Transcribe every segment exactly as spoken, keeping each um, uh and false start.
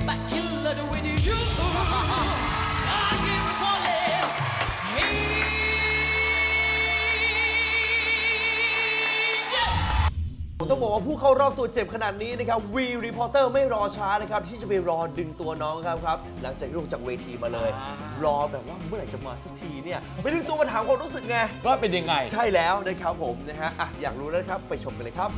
but killer with you. I keep falling. Hey, ผมต้องบอกว่าผู้เข้ารอบตัวเจ็บขนาดนี้นะครับวีรีพอร์เตอร์ไม่รอช้านะครับที่จะไปรอดึงตัวน้องครับครับหลังจากลงจากเวทีมาเลย รอแบบว่าเมื่อไหร่จะมาสักทีเนี่ยไปดึงตัวมาถามความรู้สึกไงว่าเป็นยังไงใช่แล้วนะครับผมนะฮะอ่ะอยากรู้แล้วครับไปชมกันเลยครับ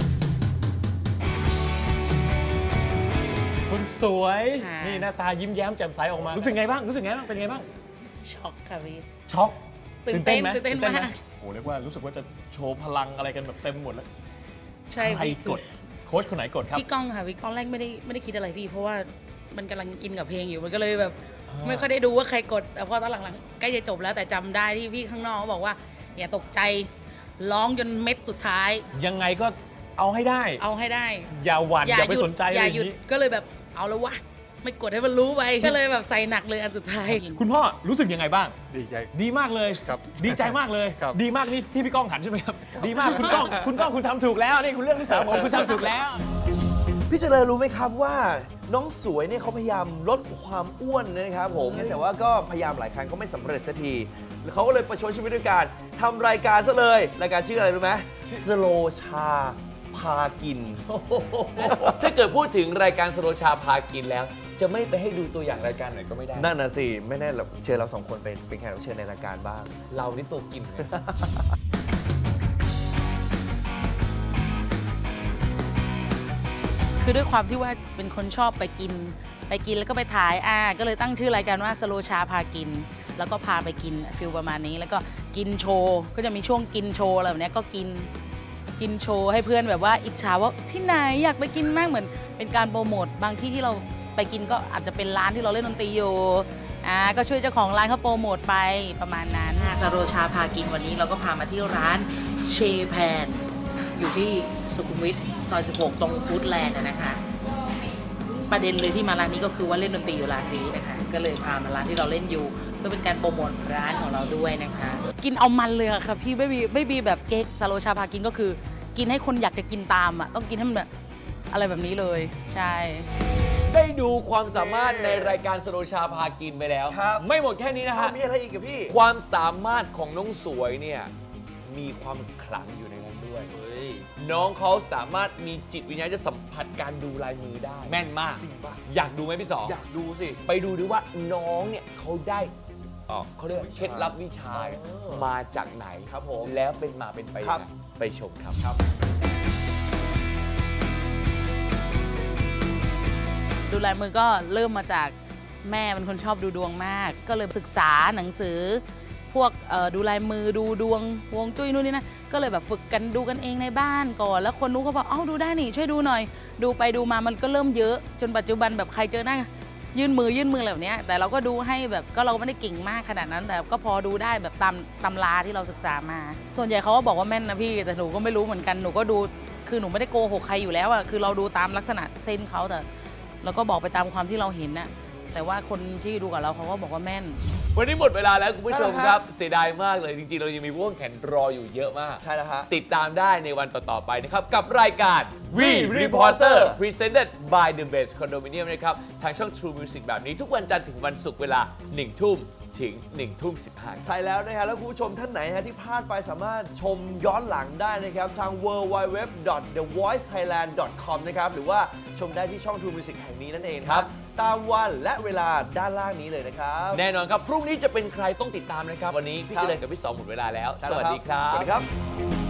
คนสวยนี่หน้าตายิ้มแย้มแจ่มใสออกมารู้สึกไงบ้างรู้สึกไงบ้างเป็นไงบ้างช็อกค่ะพี่ช็อกตื่นเต้นไหมตื่นเต้นมากโอ้เรียกว่ารู้สึกว่าจะโชว์พลังอะไรกันแบบเต็มหมดแล้วใช่ใครกดโค้ชคนไหนกดครับพี่ก้องค่ะพี่ก้องแรกไม่ได้ไม่ได้คิดอะไรพี่เพราะว่ามันกำลังอินกับเพลงอยู่มันก็เลยแบบไม่ค่อยได้ดูว่าใครกดแต่พอตอนหลังๆใกล้จะจบแล้วแต่จำได้ที่พี่ข้างนอกบอกว่าอย่าตกใจร้องจนเม็ดสุดท้ายยังไงก็เอาให้ได้เอาให้ได้อย่าหวั่นอย่าไปสนใจอย่าหยุดก็เลยแบบเอาแล้ววะไม่กดให้มันรู้ไปก็เลยแบบใส่หนักเลยอันสุดท้ายคุณพ่อรู้สึกยังไงบ้างดีใจดีมากเลยครับดีใจมากเลยดีมากนี่ที่พี่ก้องหันใช่ไหมครับดีมากคุณก้องคุณก้องคุณทำถูกแล้วนี่คุณเรื่องที่สามผมคุณทำถูกแล้วพี่เจริญรู้ไหมครับว่าน้องสวยเนี่ยเขาพยายามลดความอ้วนนะครับผมแต่ว่าก็พยายามหลายครั้งก็ไม่สำเร็จสักทีเขาก็เลยประชดชีวิตด้วยการทำรายการซะเลยรายการชื่ออะไรรู้ไหมสโลชาพากินถ้าเกิดพูดถึงรายการสโลชาพากินแล้วจะไม่ไปให้ดูตัวอย่างรายการไหนก็ไม่ได้นั่นน่ะสิไม่แน่เราเชิญเราสองคนไปเป็นแขกรับเชิญในรายการบ้างเรานี่ตัวกินคือด้วยความที่ว่าเป็นคนชอบไปกินไปกินแล้วก็ไปถ่ายอ่าก็เลยตั้งชื่อรายการว่าสโลชาพากินแล้วก็พาไปกินฟิลประมาณนี้แล้วก็กินโชว์ก็จะมีช่วงกินโชว์อะไรแบบนี้ก็กินกินโชว์ให้เพื่อนแบบว่าอิจฉาว่าที่ไหนอยากไปกินมากเหมือนเป็นการโปรโมทบางที่ที่เราไปกินก็อาจจะเป็นร้านที่เราเล่นดนตรีอยู่อ่าก็ช่วยเจ้าของร้านเขาโปรโมทไปประมาณนั้นสโลชาพากินวันนี้เราก็พามาที่ร้านเชแพนอยู่ที่สุขุมวิทซอยสิบหกตรงฟู้ดแลนด์นะคะประเด็นเลยที่มาร้านนี้ก็คือว่าเล่นดนตรีอยู่ร้านนี้นะคะก็เลยพามาร้านที่เราเล่นอยู่เพื่อเป็นการโปรโมทร้านของเราด้วยนะคะกินเอามันเลยค่ะพี่ไม่มีไม่มีแบบเก๊กสโลชาพากินก็คือกินให้คนอยากจะกินตามอ่ะต้องกินให้มันแบบอะไรแบบนี้เลยใช่ได้ดูความสามารถในรายการสโลชาพากินไปแล้วไม่หมดแค่นี้นะฮะมีอะไรอีกกับพี่ความสามารถของน้องสวยเนี่ยมีความขลังอยู่ในนั้นด้วยน้องเขาสามารถมีจิตวิญญาณจะสัมผัสการดูลายมือได้แม่นมากจริงป่ะอยากดูไหมพี่สองอยากดูสิไปดูดิว่าน้องเนี่ยเขาได้เขาเรียกเคล็ดลับวิชามาจากไหนครับผมแล้วเป็นมาเป็นไปยังไงไปชมครับครับดูลายมือก็เริ่มมาจากแม่เป็นคนชอบดูดวงมากก็เลยศึกษาหนังสือพวกดูลายมือดูดวงฮวงจุ้ยนู่นนี่นะก็เลยแบบฝึกกันดูกันเองในบ้านก่อนแล้วคนนู้นเขาบอกเอ้าดูได้นี่ช่วยดูหน่อยดูไปดูมามันก็เริ่มเยอะจนปัจจุบันแบบใครเจอหน้ายื่นมือยื่นมือแบบนี้แต่เราก็ดูให้แบบก็เราไม่ได้เก่งมากขนาดนั้นแต่ก็พอดูได้แบบตามตำราที่เราศึกษามาส่วนใหญ่เขาก็บอกว่าแม่นนะพี่แต่หนูก็ไม่รู้เหมือนกันหนูก็ดูคือหนูไม่ได้โกหกใครอยู่แล้วอะคือเราดูตามลักษณะเส้นเขาแต่เราก็บอกไปตามความที่เราเห็นน่ะแต่ว่าคนที่ดูกับเราเขาก็บอกว่าแม่นวันนี้หมดเวลาแล้วคุณผู้ชมครับเสียดายมากเลยจริงๆเรายังมีว่วงแขนรออยู่เยอะมากใช่แล้วฮะติดตามได้ในวันต่อๆไปนะครับกับรายการ We Reporter Presented by The Best Condominium นะครับทางช่อง True Music แบบนี้ทุกวันจันทร์ถึงวันศุกร์เวลาหนึ่งทุ่มถึงหนึ่งทุ่มสิบห้าใช่แล้วนะครับแล้วคุณผู้ชมท่านไหนฮะที่พลาดไปสามารถชมย้อนหลังได้นะครับทาง ดับเบิลยู ดับเบิลยู ดับเบิลยู ดอท เดอะ วอยซ์ ไทยแลนด์ ดอท คอม นะครับหรือว่าชมได้ที่ช่อง True Music แห่งนี้นั่นเองครับตามวันและเวลาด้านล่างนี้เลยนะครับแน่นอนครับพรุ่งนี้จะเป็นใครต้องติดตามนะครับวันนี้พี่เจริญกับพี่สองหมดเวลาแล้วสวัสดีครับสวัสดีครับ